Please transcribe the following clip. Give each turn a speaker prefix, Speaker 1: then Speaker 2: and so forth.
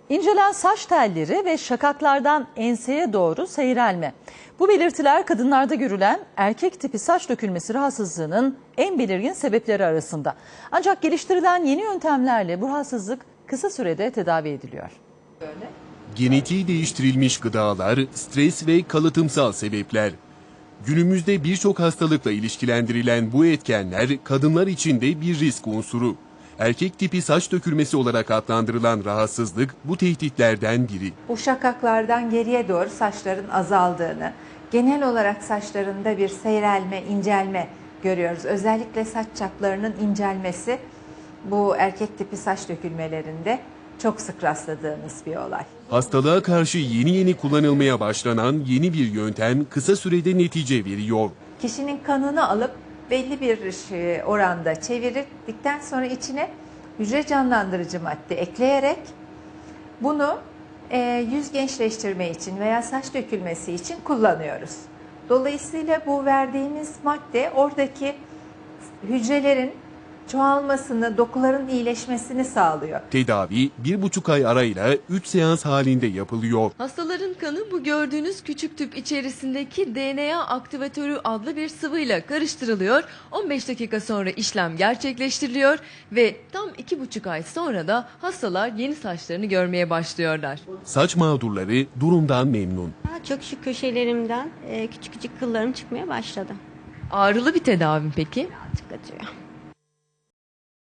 Speaker 1: İncelen saç telleri ve şakaklardan enseye doğru seyrelme. Bu belirtiler kadınlarda görülen erkek tipi saç dökülmesi rahatsızlığının en belirgin sebepleri arasında. Ancak geliştirilen yeni yöntemlerle bu rahatsızlık kısa sürede tedavi ediliyor.
Speaker 2: Genetiği değiştirilmiş gıdalar, stres ve kalıtımsal sebepler. Günümüzde birçok hastalıkla ilişkilendirilen bu etkenler kadınlar için de bir risk unsuru. Erkek tipi saç dökülmesi olarak adlandırılan rahatsızlık bu tehditlerden biri.
Speaker 3: Bu şakaklardan geriye doğru saçların azaldığını, genel olarak saçlarında bir seyrelme, incelme görüyoruz. Özellikle saç çaplarının incelmesi bu erkek tipi saç dökülmelerinde çok sık rastladığımız bir olay.
Speaker 2: Hastalığa karşı yeni kullanılmaya başlanan yeni bir yöntem kısa sürede netice veriyor.
Speaker 3: Kişinin kanını alıp belli bir oranda çevirdikten sonra içine hücre canlandırıcı madde ekleyerek bunu yüz gençleştirme için veya saç dökülmesi için kullanıyoruz. Dolayısıyla bu verdiğimiz madde oradaki hücrelerin çoğalmasını, dokuların iyileşmesini sağlıyor.
Speaker 2: Tedavi 1,5 ay arayla 3 seans halinde yapılıyor.
Speaker 4: Hastaların kanı bu gördüğünüz küçük tüp içerisindeki DNA aktivatörü adlı bir sıvıyla karıştırılıyor. 15 dakika sonra işlem gerçekleştiriliyor ve tam 2,5 ay sonra da hastalar yeni saçlarını görmeye başlıyorlar.
Speaker 2: Saç mağdurları durumdan memnun.
Speaker 5: Çok şu köşelerimden küçük küçük kıllarım çıkmaya başladı.
Speaker 4: Ağrılı bir tedavi mi peki?
Speaker 5: Birazcık acıyor.